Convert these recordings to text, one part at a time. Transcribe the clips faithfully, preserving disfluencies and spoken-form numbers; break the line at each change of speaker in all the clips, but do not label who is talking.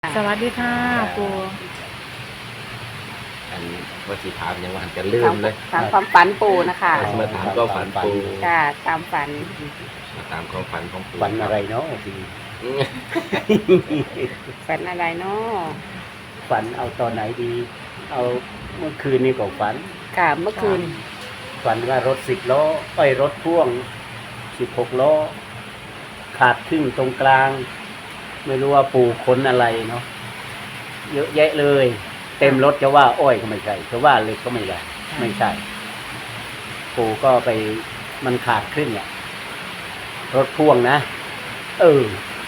สวัสดีค่ะปู
อันว่าสีถามยังว่าหันจะลืมเลย
ถามความฝันปู่นะคะ
มาถามก็ฝันปู
ค่ะตามฝัน
มาถามความฝันของปู
ฝันอะไรเนาะพี่
อืม
ฝันอะไรเนาะ
ฝันเอาตอนไหนดี เอาเมื่อคืนนี้ก็ฝัน
ค่ะเมื่อคืน
ฝันว่ารถสิบล้อไอ้ยรถพ่วงสิบหกล้อขาดครึ่งตรงกลาง ไม่รู้ว่าปู่ขนอะไรเนาะเยอะแยะเลย เต็มรถจะว่าอ้อยก็ไม่ใช่จะว่าเหล็กก็ไม่ได้ไม่ใช่ ปู่ก็ไปมันขาดครึ่งอ่ะรถพ่วงนะเออ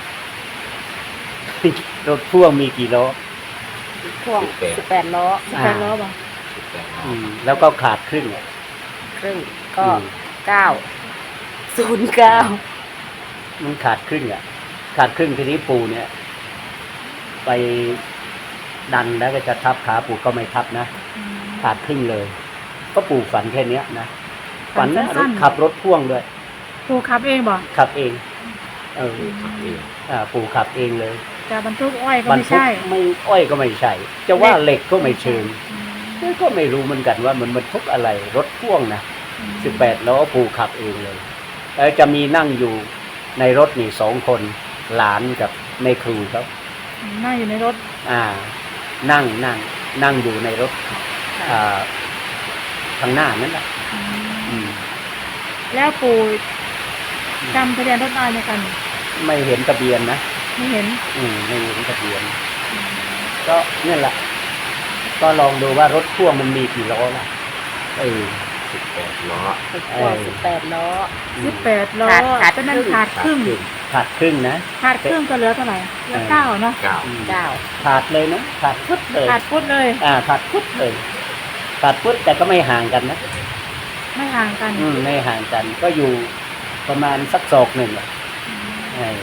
รถพ่วงมีกี่ล้อ
พ่วงสิบแปดล้อ
สิบแปดล้อบ่
สิบแปด
อืมแล้วก็ขาดครึ่งอ่ะ
ครึ่งก็
อืม
เก้าศูนย์เก้า
มันขาดครึ่งอ่ะ ขาดครึ่งทีนี้ปู่เนี่ย ไปดันแล้วก็จะทับขาปู่ก็ไม่ทับนะขาดครึ่งเลย ก็ปู่ฝันแค่เนี้ยนะฝันรถขับรถพ่วงด้วย
ปูขับเองบ่
ขับเอง เออ
ขับเอง
อ่าปู่ขับเองเลย
แต่บรรทุกอ้อยก็
บรร
ไม่
ทุก
ใช่
ไม่อ้อยก็ไม่ใช่ จะว่าเหล็กก็ไม่เชิงก็ไม่รู้เหมือนกันว่ามันบรรทุกอะไร รถพ่วงนะสิบแปดล้อปู่ขับเองเลยแล้วจะมีนั่งอยู่ในรถนี่สองคนหลานกับในครูครับ
นั่งอยู่ในรถ
อ่า นั่งนั่ง นั่งอยู่ในรถ อ่าทางหน้านั่นแหละอืม
แล้วปูจำทะเบียนรถได้ไหมกัน
ไม่เห็นทะเบียนนะ
ไม่เห็น
อืมไม่เห็นทะเบียน ก็นี่นแหละ ก็ลองดูว่ารถพ่วงมันมีกี่ล้อล่ะเออ
สิบแปดล้อ
พ่วงสิบแปดล้อ
สิบแปดล้อ
ขาดขาด
เป็นนั่น
ครึ่ง
ขาดครึ่ง
ขาดครึ่งนะ
ขาดครึ่งก็เหลือเท่าไหร่เหลือเก้าเนาะ
เก้า
อืม
เก้า
ขาดเลยนะขาดพุดเลย
ขาดพุทธเลย
อ่าขาดพุดเลยขาดพุดแต่ก็ไม่ห่างกันนะ
ไม่ห่างกัน
อืมไม่ห่างกัน ก็อยู่ประมาณสักศอกหนึ่งอ่ะเออ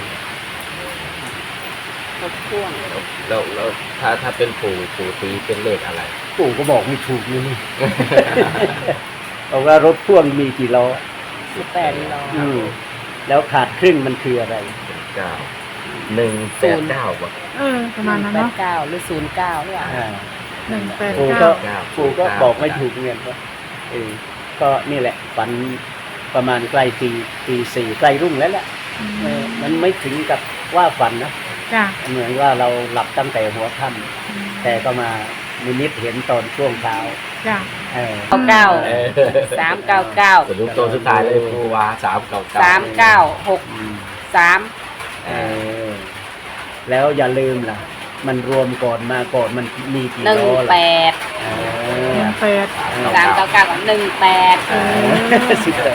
รถพ่วง
แล้วแล้วถ้าถ้าเป็นปูปูตีเป็นเลขอะไร
ปู่ก็บอกไม่ถูกนี่ นี่ บอกว่ารถพ่วงมีกี่ล้อ
สิบแปดล้อ
อืมแล้วขาดครึ่งมันคืออะไร
เก้าหนึ่งแปดเก้าบ่
เออประมาณนั้น
แปด
เนาะ
เก้าหรือศูนย์เก้าหรือเปล่า
อ่า
หนึ่งแปด
ปู่ก็
เก้า
ปู่ก็บอกไม่ถูกเงี้ยก็เออก็นี่แหละฝันประมาณใกล้ตีตีสี่ใกล้รุ่งแล้วแหละเออมันไม่ถึงกับว่าฝันนะ
จ้ะ
เหมือนว่าเราหลับตั้งแต่หัวค่ำแต่ก็มานิมิตเห็นตอนช่วงเช้า
จ้ะ
เออ
เก้าเก้า
เออ
สามเก้าเก้า
สรุปตัวสุดท้ายเลยปูวาสามเก้าเก้า
สามเก้าหก
อืม
สาม
เออแล้วอย่าลืมล่ะ มันรวมก่อนมาก่อนมันมีกี่
หนึ่ง
ล้อ
แป
ล่ะ
ด
เอ
หนึ่
อง
แปด
สามเก้าเก้ากับหนึ่งแปด
เออสิบแปด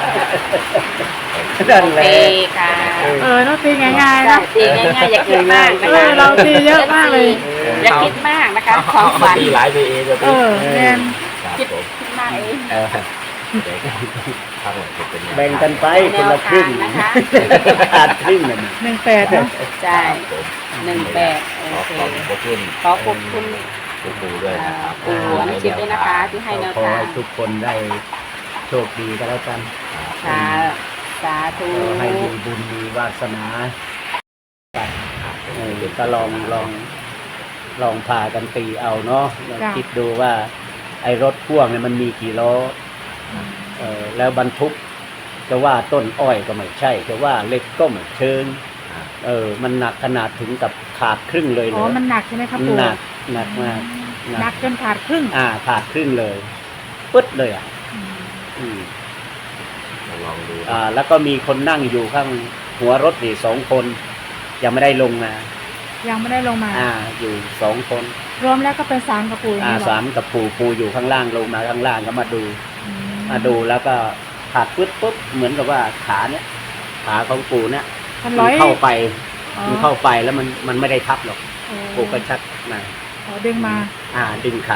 นั่น
โอ
แห
เค
ละ
ค่ะ
เออต้องตีง่ายๆ
ได้
นะ
ตีง่ายๆอย่าคิดมากนะ
เอ
คะ
อเราตีเยอะมากเลย
อย่าคิดมากนะคะ
เอา
ความ
เอา
ฝัน
ตีหลายไปเองจะ
เออแมน
ครับ
คิด
ผม
คิดมากเอง
เออเดี๋ยวข้างหลังจะเป็นยังไง
แบ่งกันไปคนละครึ่ง
แนวทางนะคะ
ขาดครึ่งน่ะ
หนึ่งแปดเนาะ
ใช่หนึ่งแปด
ข
โอ
อ
เค
ขอบคุณ
ขอขอบคุณ
ปูปูด้วยนะครับ
ปู่อนุชิตด้วยนะคะที่ให้แนว
ขอ
ทาง
ให้ทุกคนได้โชคดีก็แล้วกัน
ค่ะสาธุ
ขอให้มีบุญมีวาสนาเออก็ลองลองลองพากันตีเอาเนาะลองคิดดูว่า ไอ้รถพ่วงเนี่ยมันมีกี่ล้อเออแล้วบรรทุกจะว่าต้นอ้อยก็ไม่ใช่จะว่าเล็กก็ไม่เชิงเออ มันหนักขนาดถึงกับขาดครึ่งเลยเหร
อ๋อ
อ
มันหนักใช่ไหมครับปู
หนักหนักมาก
หนักจนขาดครึ่ง
อ่าขาดครึ่งเลยปึ๊ดเลยอ่ะ
อืม
อืม
ลองดู
อ่า แล้วก็มีคนนั่งอยู่ข้างหัวรถนี่สองคน ยังไม่ได้ลงมา
ยังไม่ได้ลงมา
อ่า อยู่สองคน
รวมแล้วก็เป็นสามกระปู
อ่า
นี่หร
สามกับปู่ปู่อยู่ข้างล่างลงมาข้างล่างก็มาดู
อื
มาดูแล้วก็ขาดปึ๊ดปุ๊บเหมือนกับว่าขาเนี้ยขาของปู่เนี่ย
มัน
มั
ร้อน ย
เข้าไป
อ๋อ
มันเข้าไปแล้วมันมันไม่ได้ทับหรอก
โอ้
ปู่ก็ชักมา
อ๋อดึงมา
อ่า ดึงขา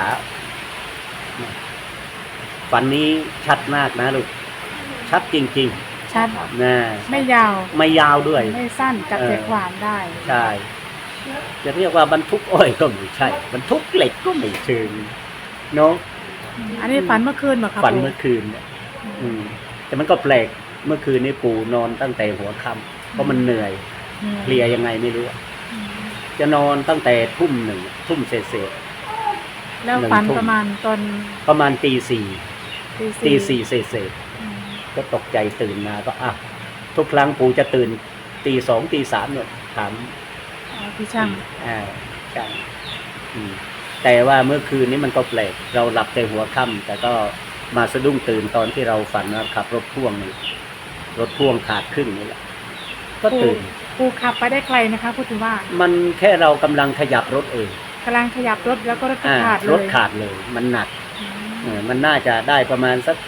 ฝันนี้ชัดมากนะลูกชัดจริง
ชัด
ๆนะ
ไม่ยาว
ไม่ยาวด้วย
ไม่สั้นจับใจความได้
ใช่ จะเรียกว่าบรรทุกอ้อยก็ไม่ใช่ บรรทุกเหล็กก็ไม่เชิงเนาะ
อันนี้ฝันเมื่อคืนเหรอครับ
ฝัน
ปู่
เมื่อคืนเนี่ยอืม แต่มันก็แปลกเมื่อคืนนี้ปู่นอนตั้งแต่หัวค่ำเพราะมันเหนื่อยเพลียยังไงไม่รู้อะ
อืม
จะนอนตั้งแต่ทุ่มหนึ่งทุ่มเศษ
แล้ว
หนึ่ง
ฝัน
ทุ่ม
ประมาณตอน
ๆประมาณตีสี่ตีสี่เศษ
อืม
ๆก็ตกใจตื่นมาก็อ่ะทุกครั้งปู่จะตื่นตีสองตีสามเนี่ยถาม
อ๋อพี่ช่าง
อ่าใช่อืมแต่ว่าเมื่อคืนนี้มันก็แปลกเราหลับแต่หัวค่ำแต่ก็มาสะดุ้งตื่นตอนที่เราฝันว่าขับรถพ่วงนี่รถพ่วงขาดครึ่งนี่แหละก็ตื่น
ปูขับไปได้ไกลนะคะพูดถึงว่า
มันแค่เรากำลังขยับรถเอง
กำลังขยับรถแล้วก็รถก็
อ่า
ขาดเลย
รถขาดเลย มันหนัก
อืม
เออมันน่าจะได้ประมาณสัก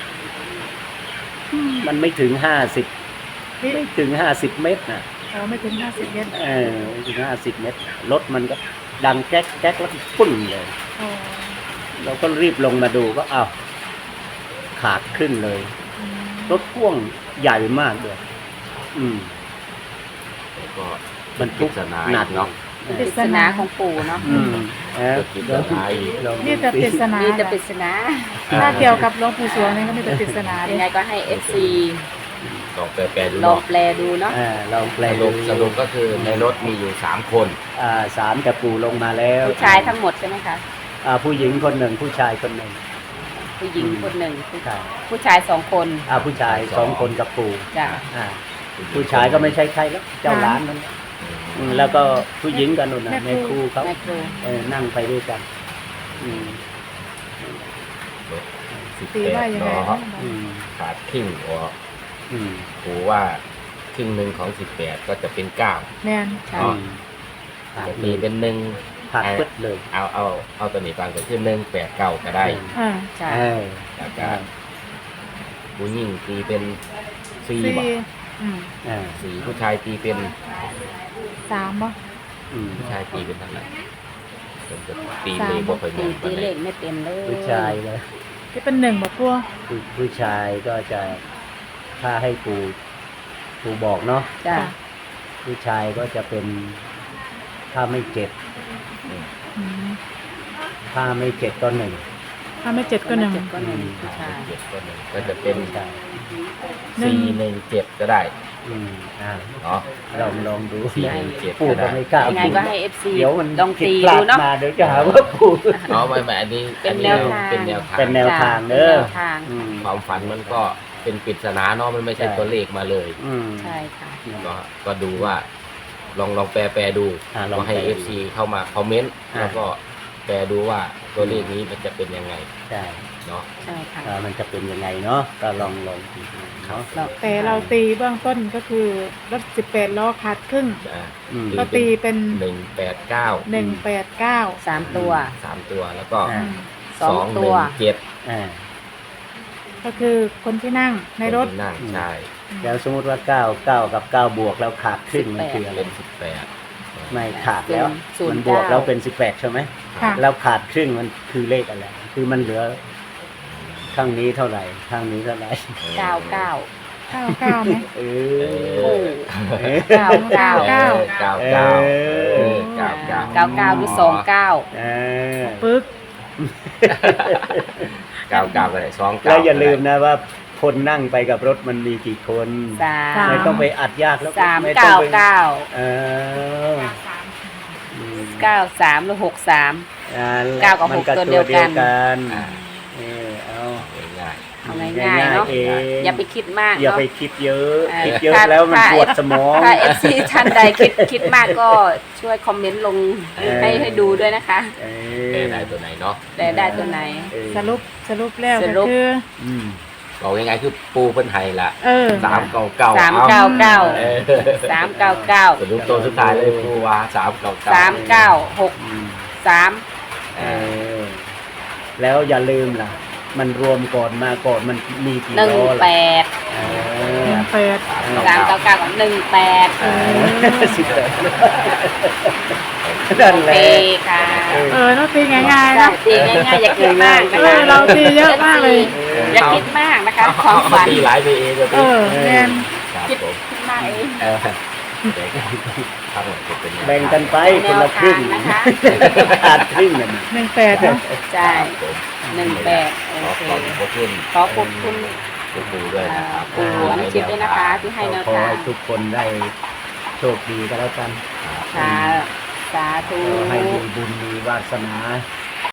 มันไม่ถึงห้าสิบ
นี่
ไม่ถึงห้าสิบเมตรนะ
เออไม่ถึงห้าสิบเมตร
เออไม่ถึงห้าสิบเมตรรถมันก็ดังแจ๊กแจ๊กแล้วก็ปุ้นเลย
อ๋อ
เราก็รีบลงมาดูก็อ้าวขาดครึ่งเลย
อืม
รถพ่วงใหญ่มากเลยอืม
แล้วก็
บรรทุก
ปริศนา
หนัก
อีกเนาะ
ปริศนาของปู่เนาะ
อืมเออ
ปริศนาอีก
ลองดู
นี่แต่ปริศนา
นี่จะปริศนา
ถ้าเกี่ยวกับหลวงปู่สวงนี่ก็มีแต่ปริศนา
ยังไงก็ให้ เอฟ ซี
ลองแปลๆดู
ลอง
เนาะ
แปลดูเนาะ
อ่าลองแปล
ส
ดู
รุปสรุปก็คือในรถมีอยู่สามคน
อ่าสามแต่ปู่ลงมาแล้ว
ผู้ชายทั้งหมดใช่ไหมคะ
อ่าผู้หญิงคนหนึ่งผู้ชายคนหนึ่ง
ผู้หญิงคนหนึ่งผู้
ใช่
ผู้ชายสองคน
อ่าผู้ชายสองคนกับปู่
จ้ะ
อ่าผู้ชายก็ไม่ใช่ใครแล้วเจ้าหลานมันอืมแล้วก็ผู้หญิงกันนู่นน่ะแม่ครูเขา
แม่ครู
เออนั่งไปด้วยกัน อืม
รถสิบ
ตี
แป
ว่า
ด
ยังไง
ล้อ
นะ
อืม
ขาดครึ่งออก
อืม
ผูว่าครึ่งหนึ่งของสิบแปดก็จะเป็นเก้า
แมน
ใช่
อ๋อ
ขาด
จะ
เล
มี
ย
เป็นหนึ่ง
ขาดปึ๊ดเลย
เอาเอาเอาตัวนี้ก่อนก็คือหนึ่งแปดเก้าก็ได้
อ่า
ใช่
เออ
แล้วก็ผู้หญิงตีเป็นสี่
สี่
บ่
อืม
อ่า
สี่ผู้ชายตีเป็น
สามบ่
อืม
ผู้ชายตีเป็นเท่าไหร่ผมจะตี
สาม
เลยบ่ค่อย
ตี
แม่นปา
ตี
นใด
เลขไม่เป็นเลย
ผู้ชายเลย
ที่เป็นหนึ่งบ่ตัว
ผู้ผู้ชายก็จะถ้าให้ปู่ปู่บอกเนาะ
จ้ะ
ผู้ชายก็จะเป็นถ้าไม่เจ็ด
อืม
ถ้าไม่เจ็ดก็หนึ่ง
ถ้าไม่เจ็ดก็หนึ่ง
เจ็ดก็หนึ่งผู้ชาย
เจ็ดก็หนึ่งก็จะเป็น
ผู้ชาย
หนึ่ง
สี่หนึ่งเจ็ดก็ได้
อืมอ่า
เนาะ
ลองลองดู
สี่หนึ่งเจ็ด
ปู่
ก็
ก็
ได้
ไม่กล้า
ยังไงก็ให้ เอฟ ซี
เดี๋ยวมัน
ลอง
ผิด
ตี
พลา
ดู
ด
เนาะ
มาเดี๋ยวจะหาว่าปู่
เนาะไม่ไม่อันนี้
เป็น
อั
แนวทาง
เป็นแนวทาง
เป็นแนวทาง
จ้ะ
เด้อ
เป็นแนวทาง
อืม
ความฝันมันก็เป็นปริศนาเนาะมันไม่ใช่
ใช่
ตัวเลขมาเลย
อืม
ใช่ค่ะ
ก็ก็ดูว่า ลองลองแปลแปลดู
อ่าลอง
ก็ให้
แปลดู
เอฟซีเข้ามาคอมเมนต์
อ่า
แล้วก็แปลดูว่าตัวเลขนี้มันจะเป็นยังไง
ใช่
เนาะ
ใช่ค่ะ
อ่ามันจะเป็นยังไงเนาะก็ลองลองดูเนาะ
เรา
แต่เราตีเบื้องต้นก็คือรถสิบแปดล้อขาดครึ่ง
อ่า
อืม
ก็ตีเป็น
หนึ่งแปดเก้า
หนึ่งแปดเก้า
สามตัว
สามตัวแล้วก็
อ่า
สอง
ห
ตั
นึ่
ว
งเจ็ด
อ่า
ก็คือคนที่นั่งในรถ
คที่นั่งใช่
แล้วสมมติว่าเก้าเก้ากับเก้าบวกแล้วขาดครึ่งมันคืออะไร
เป็นสิบแปด
ไม่ขาดแล้ว
ศูนย์
มันบวก
เก้า
แล้วเป็นสิบแปดใช่ไหม
ค่ะ
แล้วขาดครึ่งมันคือเลขอะไร คือมันเหลือข้างนี้เท่าไหร่ข้างนี้เท่าไหร่
เก้าเก้า
เก้าเก้าไหม
เอ
เอ
อ
อ
เออ
เก้าเก้า
เก้า
เก้าเก้า
เออ
เออเก้าเก้า
เก้าเก้าหรือสองเก้า
เออ
ปึ๊ก
เก้าเก้าก็ได้สองเก้า
แล้วอย่าลืมนะว่าคนนั่งไปกับรถมันมีกี่คน
สาม
ไม่ต้องไปอัดยากแล้ว
สาม
ไม่ต้อ
เก้าง
ไป
เก้า
เอออืม
เก้าสามหรือหกสาม
อ่
เก้ากับหก
มันก็
ตัวเดียวกัน
น
อ่า
เออเอา
ง่าย
เอาง่ายๆเนาะ
เอง
อย่าไปคิดมาก
อย่า
เนาะ
ไปคิดเยอะ
เออ
คิดเยอะ
ถ้า
แล้วมัน
ถ้า
ปวดสมอง
ถ้าเอฟซีท่านใดคิดคิดมากก็ช่วยคอมเมนต์ลง
เออ
ให้ให้ดูด้วยนะคะ
เอ
ๆ
อ
แก้ได้ตัวไหนเนาะ
ได้ได้ตัวไหน
เออ
สรุปสรุปแล้ว
ส
ก็
รุป
คือ
อืม
บอกง่ายๆคือปูเพิ่นไห้ละ
เออ
สามเก้าเก้า
สามเก้าเก้า
เออ
สามเก้าเก้า
สรุปตัวสุดท้ายเลยปูว่าสามเก้าเก้า
สามเก้าหก
อืม
สาม
เออแล้วอย่าลืมล่ะ มันรวมก่อนมาก่อนมันมีกี่
หนึ่ง
ล้อ
แป
ล่ะ
ด
เอ
หนึ่
อง
แปด
สามเก้าเก้ากับหนึ่งแปด
เออสิบแปดนั่น
โอ
แห
เค
ละ
ค่ะ
เออต้องตีง่ายๆ
ได้
นะ
ตีง่ายๆอย่าคิดมากนะ
เอ
คะ
อเราตีเยอะมากเลย
อย่าคิดมากนะคะ
เอา
ความ
เอา
ฝัน
ตีหลายไปเองก็
เอ
ตี
อแมน
ครับ
คิด
ผม
คิดมากเอง
เออเดี๋ยวครับผมจะเป็น
แบ่งกันไปคนละครึ่ง
แนวทางนะคะ
ขาดครึ่งนั่น
หนึ่งแปดเนาะ
ใช่หนึ่งแปด
ข
โอ
อ
เค
ขอบพระคุณ
ขอขอบคุณ
คุณปูด้วยนะครับ
ปู่อนุชิตด้วยนะคะที่ให้แนว
ขอ
ทาง
ให้ทุกคนได้โชคดีก็แล้วกัน
ค่ะสาธุ
ขอให้มีบุญมีวาสนา